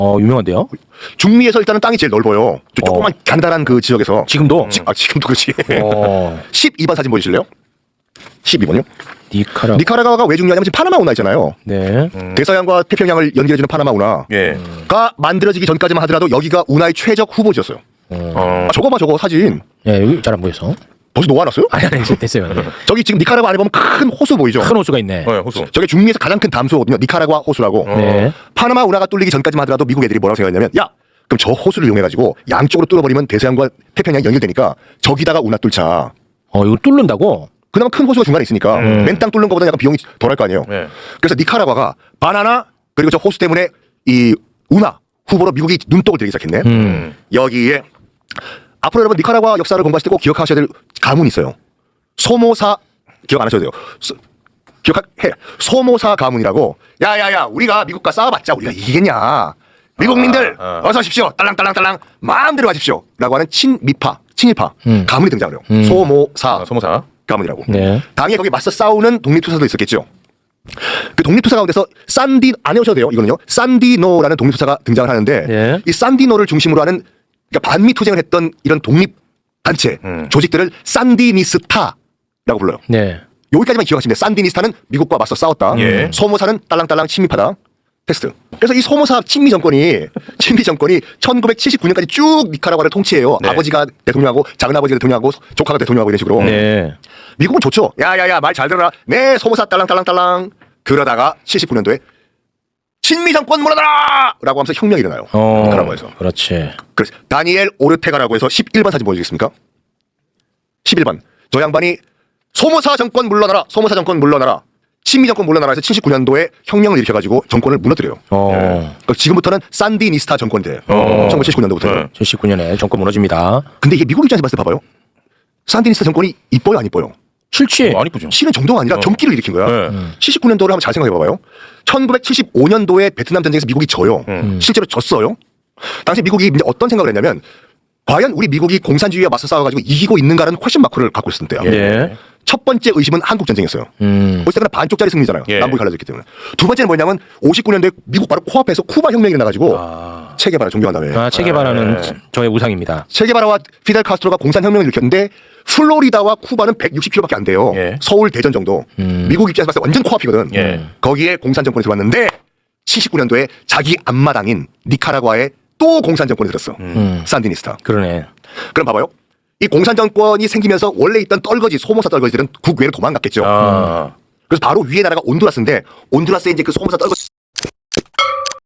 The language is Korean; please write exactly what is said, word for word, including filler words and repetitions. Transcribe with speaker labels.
Speaker 1: 어, 유명한데요?
Speaker 2: 중미에서 일단은 땅이 제일 넓어요. 저 조그만 어. 간단한 그 지역에서.
Speaker 1: 지금도?
Speaker 2: 지, 아, 지금도 그렇지.
Speaker 1: 어.
Speaker 2: 십이 번 사진 보여주실래요? 십이 번요.
Speaker 1: 니카라.
Speaker 2: 니카라과가 왜 중요하냐면 지금 파나마 운하 있잖아요.
Speaker 1: 네.
Speaker 2: 음. 대서양과 태평양을 연결해주는 파나마 운하가
Speaker 3: 예.
Speaker 2: 만들어지기 전까지만 하더라도 여기가 운하의 최적 후보지였어요.
Speaker 1: 어.
Speaker 2: 아, 저거 봐, 저거 사진.
Speaker 1: 예, 여기 잘 안 보여서.
Speaker 2: 벌써 놓아놨어요?
Speaker 1: 아니, 아니, 됐어요. 네.
Speaker 2: 저기 지금 니카라과 안에 보면 큰 호수 보이죠?
Speaker 1: 큰 호수가 있네.
Speaker 3: 네, 호수.
Speaker 2: 저게 중미에서 가장 큰 담수거든요. 니카라과 호수라고.
Speaker 3: 어.
Speaker 1: 네.
Speaker 2: 파나마 운하가 뚫리기 전까지만 하더라도 미국 애들이 뭐라고 생각했냐면, 야, 그럼 저 호수를 이용해가지고 양쪽으로 뚫어버리면 대서양과 태평양이 연결되니까 저기다가 운하 뚫자.
Speaker 1: 어, 이거 뚫는다고?
Speaker 2: 그나마 큰 호수가 중간에 있으니까
Speaker 3: 음.
Speaker 2: 맨 땅 뚫는 것보다 약간 비용이 덜할 거 아니에요.
Speaker 3: 네.
Speaker 2: 그래서 니카라과가 바나나 그리고 저 호수 때문에 이 운하 후보로 미국이 눈독을 들이기 시작했네.
Speaker 1: 음.
Speaker 2: 여기에 앞으로 여러분 니카라과 역사를 공부하실 때 꼭 기억하셔야 될 가문이 있어요. 소모사 기억 안 하셔도 돼요. 소, 기억해. 소모사 가문이라고. 야야야 우리가 미국과 싸워봤자 우리가 이기겠냐. 미국민들
Speaker 3: 아, 아.
Speaker 2: 어서 오십시오. 딸랑딸랑딸랑 마음대로 하십시오. 라고 하는 친미파 친일파
Speaker 1: 음.
Speaker 2: 가문이 등장을 해요.
Speaker 1: 음.
Speaker 2: 소모사
Speaker 3: 아, 소모사.
Speaker 2: 가문이라고.
Speaker 1: 네.
Speaker 2: 당연히 거기 맞서 싸우는 독립투사도 있었겠죠. 그 독립투사 가운데서 산디 안 해오셔도 돼요. 이거는요. 산디노라는 독립투사가 등장을 하는데
Speaker 1: 네.
Speaker 2: 이 산디노를 중심으로 하는 그러니까 반미 투쟁을 했던 이런 독립 단체
Speaker 3: 음.
Speaker 2: 조직들을 산디니스타라고 불러요.
Speaker 1: 네.
Speaker 2: 여기까지만 기억하시면 돼요. 산디니스타는 미국과 맞서 싸웠다.
Speaker 3: 예.
Speaker 2: 소모사는 딸랑딸랑 친미파다. 테스트. 그래서 이 소모사 친미 정권이 친미 정권이 천구백칠십구 년까지 쭉 니카라과를 통치해요.
Speaker 3: 네.
Speaker 2: 아버지가 대통령하고 작은 아버지가 대통령하고 조카가 대통령하고 이런 식으로.
Speaker 1: 네.
Speaker 2: 미국은 좋죠. 야야야 말 잘 들어라. 네 소모사 딸랑딸랑딸랑. 그러다가 칠십구 년도에 친미 정권 물러나라! 라고 하면서 혁명이 일어나요.
Speaker 1: 어.
Speaker 2: 니카라과에서.
Speaker 1: 그렇지.
Speaker 2: 그래서 다니엘 오르테가라고 해서 십일 번 사진 보여주겠습니까? 십일 번. 저 양반이 소모사 정권 물러나라. 소모사 정권 물러나라. 친미 정권 물러나라 해서 칠십구 년도에 혁명을 일으켜가지고 정권을 무너뜨려요.
Speaker 1: 어.
Speaker 2: 그러니까 지금부터는 산디니스타 정권이 돼요.
Speaker 3: 어.
Speaker 2: 천구백칠십구 년도부터.
Speaker 3: 네.
Speaker 1: 칠십구 년에 정권 무너집니다.
Speaker 2: 근데 이게 미국 입장에서 봤을 때 봐봐요. 산디니스타 정권이 이뻐요 안 이뻐요?
Speaker 1: 싫지?
Speaker 3: 안 이쁘죠.
Speaker 2: 싫은 정도가 아니라
Speaker 3: 어.
Speaker 2: 경기를 일으킨 거야.
Speaker 3: 네.
Speaker 1: 음.
Speaker 2: 칠십구 년도를 한번 잘 생각해봐봐요. 천구백칠십오 년도에 베트남 전쟁에서 미국이 져요.
Speaker 3: 음.
Speaker 2: 실제로 졌어요. 당시 미국이 이제 어떤 생각을 했냐면 과연 우리 미국이 공산주의와 맞서 싸워가지고 이기고 있는가라는 퀘션 마크를 갖고 있었을 때야.
Speaker 1: 예.
Speaker 2: 첫 번째 의심은 한국 전쟁이었어요.
Speaker 1: 음.
Speaker 2: 어쨌거나 반쪽짜리 승리잖아요.
Speaker 3: 예.
Speaker 2: 남북이 갈라졌기 때문에. 두 번째는 뭐냐면 오십구 년도에 미국 바로 코앞에서 쿠바 혁명이 일어나가지고
Speaker 3: 아.
Speaker 2: 체게바라 존경한 다음에
Speaker 1: 아, 체게바라는
Speaker 3: 네.
Speaker 1: 저의 우상입니다.
Speaker 2: 체게바라와 피델 카스트로가 공산혁명을 일으켰는데 플로리다와 쿠바는 백육십 킬로미터밖에 안 돼요.
Speaker 3: 예.
Speaker 2: 서울 대전 정도.
Speaker 1: 음.
Speaker 2: 미국 입장에서 봤을 때 완전 코앞이거든.
Speaker 3: 예.
Speaker 2: 거기에 공산 정권이 들어왔는데 칠십구 년도에 자기 앞마당인 니카라과에 또 공산 정권이 들었어.
Speaker 1: 음.
Speaker 2: 산디니스타.
Speaker 1: 그러네.
Speaker 2: 그럼 봐봐요. 이 공산 정권이 생기면서 원래 있던 떨거지 소모사 떨거지들은 국외로 도망갔겠죠.
Speaker 3: 아.
Speaker 2: 그래서 바로 위에 나라가 온두라스인데 온두라스에 이제 그 소모사 떨거지